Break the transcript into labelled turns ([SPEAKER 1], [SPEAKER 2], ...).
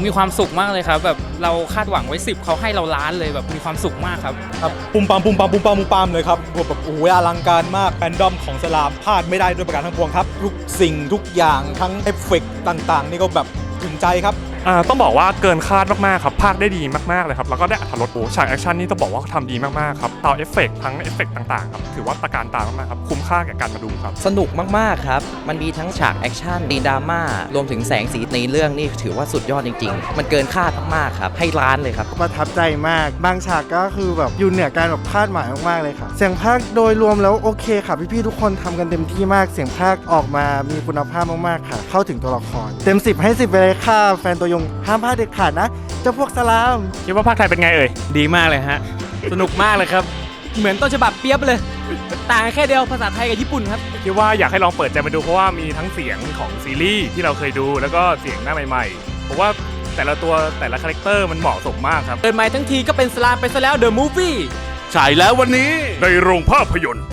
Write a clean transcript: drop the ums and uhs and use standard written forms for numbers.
[SPEAKER 1] มีความสุขมากเลยครับแบบเราคาดหวังไว้10เขาให้เราล้านเลยแบบมีความสุขมากครับ
[SPEAKER 2] ปุ่มปามเลยครับแบบโอ้โหอลังการมากแฟนดอมของสลามพลาดไม่ได้ด้วยประการทั้งปวงครับทุกสิ่งทุกอย่างทั้งเอฟเฟกต์ต่างๆนี่ก็แบบถึงใจครับ
[SPEAKER 3] ต้องบอกว่าเกินคาดมากๆครับภาคได้ดีมากๆเลยครับแล้วก็ได้อรรถรสฉากแอคชั่นนี่ต้องบอกว่าทำดีมากๆครับต่อเอฟเฟกต์ทั้งเอฟเฟกต์ต่างๆครับถือว่าตระการตามากๆครับคุ้มค่าแก่การมาดูครับ
[SPEAKER 4] สนุกมากๆครับมันมีทั้งฉากแอคชั่นดีดราม่ารวมถึงแสงสีในเรื่องนี่ถือว่าสุดยอดจริงๆมันเกินคาดมากๆครับให้ล้านเลยครับ
[SPEAKER 5] ประทับใจมากบางฉากก็คือแบบอยู่เหนือการแบบคาดหมายมากๆเลยค่ะเสียงพากย์โดยรวมแล้วโอเคค่ะพี่ๆทุกคนทำกันเต็มที่มากเสียงพากย์ออกมามีคุณภาพมากๆค่ะเข้าถึงตัวละครเต็ม10ให้10ไปเลยค่ะแฟนตัวยงห้ามพลาดเด็ดขาดนะเจ้าพวกสลาม
[SPEAKER 3] คิดว่าภาคไทยเป็นไงเอ่ย
[SPEAKER 1] ดีมากเลยฮะสนุกมากเลยครับเหมือนต้นฉบับเปียบเลยต่างแค่เดียวภาษาไทยกับญี่ปุ่นครับ
[SPEAKER 3] คิดว่าอยากให้ลองเปิดใจมาดูเพราะว่ามีทั้งเสียงของซีรีส์ที่เราเคยดูแล้วก็เสียงหน้าใหม่ๆเพราะว่าแต่ละตัวแต่ละคาแรคเตอร์มันเหมาะสมมากครับ
[SPEAKER 1] เดินมาทั้งทีก็เป็นสลามไปซะแล้วเดอะมูฟวี่
[SPEAKER 3] ฉายแล้ววันนี้ในโรงภาพยนตร์